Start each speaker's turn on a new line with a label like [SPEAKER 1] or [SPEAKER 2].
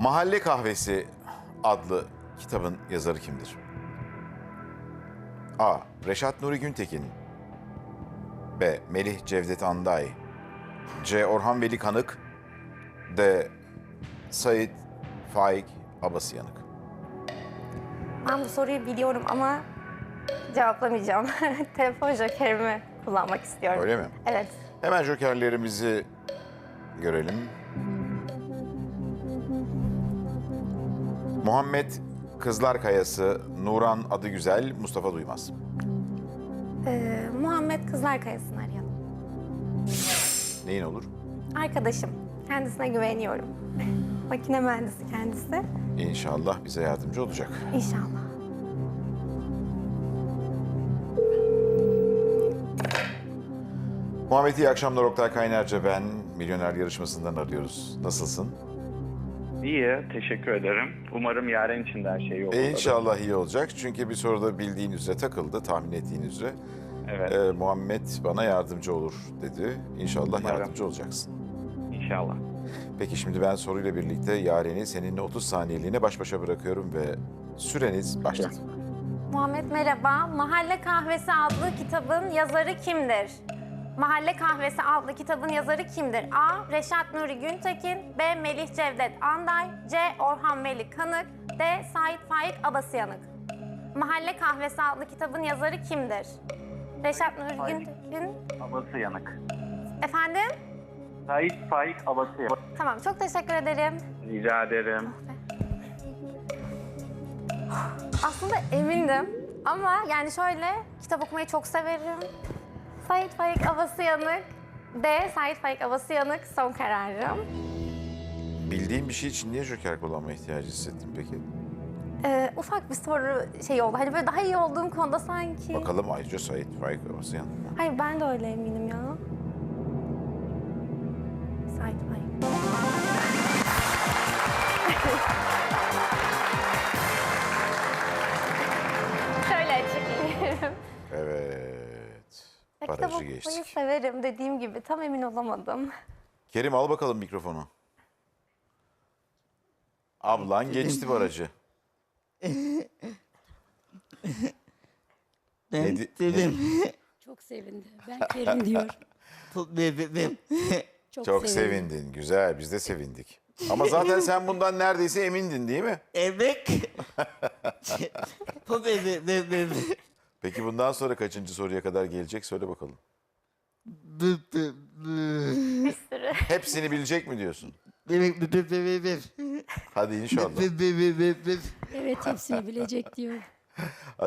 [SPEAKER 1] Mahalle Kahvesi adlı kitabın yazarı kimdir? A. Reşat Nuri Güntekin. B. Melih Cevdet Anday. C. Orhan Veli Kanık. D. Sait Faik Abasıyanık.
[SPEAKER 2] Ben bu soruyu biliyorum ama cevaplamayacağım. Telefon jokerimi kullanmak istiyorum.
[SPEAKER 1] Öyle mi?
[SPEAKER 2] Evet.
[SPEAKER 1] Hemen jokerlerimizi görelim. Muhammed Kızlarkayası, Nuran Adıgüzel, Mustafa Duymaz.
[SPEAKER 2] Muhammed Kızlarkayası'nı arayalım.
[SPEAKER 1] Neyin olur?
[SPEAKER 2] Arkadaşım. Kendisine güveniyorum. Makine mühendisi kendisi.
[SPEAKER 1] İnşallah bize yardımcı olacak.
[SPEAKER 2] İnşallah.
[SPEAKER 1] Muhammed, iyi akşamlar. Oktay Kaynarca ben. Milyoner yarışmasından arıyoruz. Nasılsın?
[SPEAKER 3] İyi, teşekkür ederim. Umarım yarın için de her şey yolunda.
[SPEAKER 1] İnşallah iyi olacak. Çünkü bir soruda bildiğin üzere takıldı, tahmin ettiğin üzere.
[SPEAKER 3] Evet,
[SPEAKER 1] Muhammed bana yardımcı olur dedi. İnşallah
[SPEAKER 3] Umarım.
[SPEAKER 1] yardımcı olacaksın.
[SPEAKER 3] inşallah.
[SPEAKER 1] Peki şimdi ben soruyla birlikte Yaren'i seninle 30 saniyeliğine baş başa bırakıyorum ve süreniz başladı.
[SPEAKER 2] Muhammed merhaba. Mahalle Kahvesi adlı kitabın yazarı kimdir? Mahalle Kahvesi adlı kitabın yazarı kimdir? A. Reşat Nuri Güntekin. B. Melih Cevdet Anday. C. Orhan Veli Kanık. D. Sait Faik Abasıyanık. Mahalle Kahvesi adlı kitabın yazarı kimdir? Reşat Nuri
[SPEAKER 3] Faik.
[SPEAKER 2] Güntekin.
[SPEAKER 3] Abası yanık.
[SPEAKER 2] Efendim?
[SPEAKER 3] Sait Faik Abası yanık.
[SPEAKER 2] Tamam, çok teşekkür ederim.
[SPEAKER 3] Rica ederim.
[SPEAKER 2] Aslında emindim ama yani şöyle, kitap okumayı çok severim. Sait Faik Abasıyanık. D. Sait Faik Abasıyanık son kararım.
[SPEAKER 1] Bildiğin bir şey için niye joker kullanma ihtiyacı hissettin peki?
[SPEAKER 2] Ufak bir soru şey oldu. Hani böyle daha iyi olduğum konuda sanki.
[SPEAKER 1] Bakalım ayrıca Sait Faik Abasıyan.
[SPEAKER 2] Hayır, ben de öyle eminim ya. Sait Faik. Şöyle açıklayayım.
[SPEAKER 1] Evet.
[SPEAKER 2] Kitap
[SPEAKER 1] Barajı
[SPEAKER 2] okumayı
[SPEAKER 1] geçtik.
[SPEAKER 2] severim dediğim gibi. Tam emin olamadım.
[SPEAKER 1] Kerim al bakalım mikrofonu. Ablan geçti barajı.
[SPEAKER 4] Ben
[SPEAKER 1] Nedi-
[SPEAKER 4] dedim.
[SPEAKER 5] Çok sevindi. Ben Kerim diyor.
[SPEAKER 4] Dedim.
[SPEAKER 1] Çok sevindin. Güzel. Biz de sevindik. Ama zaten sen bundan neredeyse emindin değil mi?
[SPEAKER 4] Evet. Bu dedim.
[SPEAKER 1] Peki bundan sonra kaçıncı soruya kadar gelecek? Söyle bakalım.
[SPEAKER 2] Bir sürü.
[SPEAKER 1] Hepsini bilecek mi diyorsun? Hadi inşallah.
[SPEAKER 5] Evet hepsini bilecek diyor.